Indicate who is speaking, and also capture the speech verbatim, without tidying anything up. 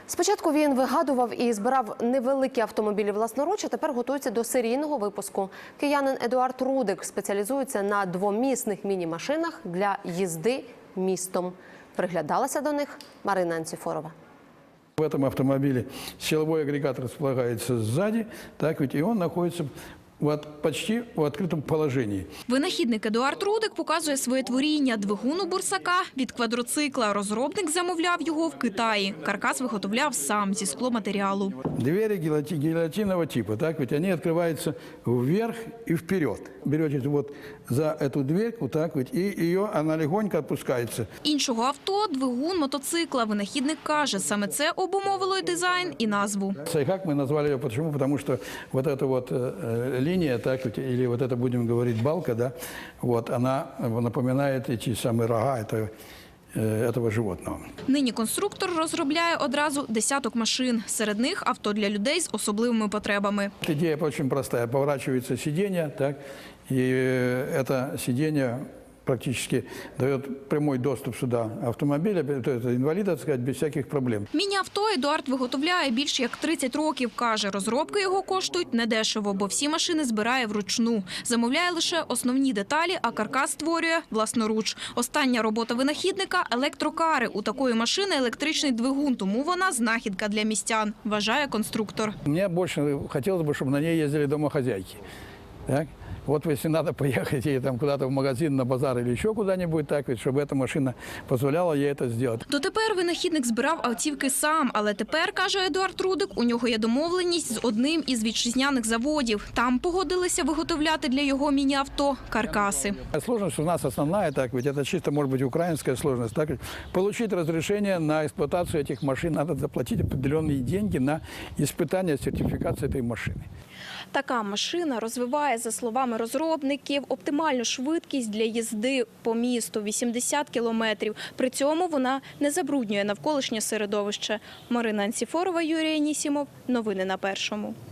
Speaker 1: Спочатку він вигадував і збирав невеликі автомобілі власноруч, а тепер готується до серійного випуску. Киянин Едуард Рудик спеціалізується на двомісних міні-машинах для їзди містом. Приглядалася до них Марина Анцифорова.
Speaker 2: В этом автомобиле силовой агрегат располагается сзади, так ведь и он находится в почти в відкритому положенні.
Speaker 3: Винахідник Едуард Рудик показує своє творіння – двигун у бурсака від квадроцикла. Розробник замовляв його в Китаї. Каркас виготовляв сам зі скломатеріалу.
Speaker 2: Двери гильотинового типа, так ведь они открываются вверх и вперед. Берете вот за эту дверь, вот так вот, и ее, она легонько опускается.
Speaker 3: Іншого авто – двигун мотоцикла. Винахідник каже, саме це обумовило і дизайн, і назву.
Speaker 2: Сайхак мы назвали ее почему? Потому что вот эта вот линия, так ведь, или вот это будем говорить балка, да, вот она напоминает эти самые рога этого, этого животного.
Speaker 3: Нині конструктор розробляє одразу десяток машин. Серед них авто для людей з особливими потребами.
Speaker 2: Идея очень простая. Поворачивается сиденье, так, и это сиденье практически дает прямой доступ сюда автомобиля, то есть инвалида, так сказать, без всяких проблем.
Speaker 3: Міні-авто Едуард виготовляє більш як тридцять років. Каже, розробки його коштують недешево, бо всі машини збирає вручну. Замовляє лише основні деталі, а каркас створює власноруч. Остання робота винахідника – електрокари. У такої машини електричний двигун, тому вона знахідка для містян, вважає конструктор.
Speaker 2: Мне больше хотелось бы, чтобы на ней ездили домохозяйки. Так? Вот если надо поехать и там куда-то в магазин, на базар или еще куда-нибудь, так ведь, чтобы эта машина позволяла ей это сделать.
Speaker 3: Дотепер винахідник збирав автівки сам, але тепер, каже Едуард Рудик, у нього є домовленість з одним із вітчизняних заводів. Там погодилися виготовляти для його міні-авто каркаси.
Speaker 2: Сложность у нас основная, так ведь, это чисто может быть украинская сложность. Так ведь, получить разрешение на эксплуатацию этих машин, надо заплатить определенные деньги на испытание, сертификацию этой машины.
Speaker 3: Така машина розвиває, за словами розробників, оптимальну швидкість для їзди по місту – вісімдесят кілометрів. При цьому вона не забруднює навколишнє середовище. Марина Анцифорова, Юрій Анісімов. Новини на Першому.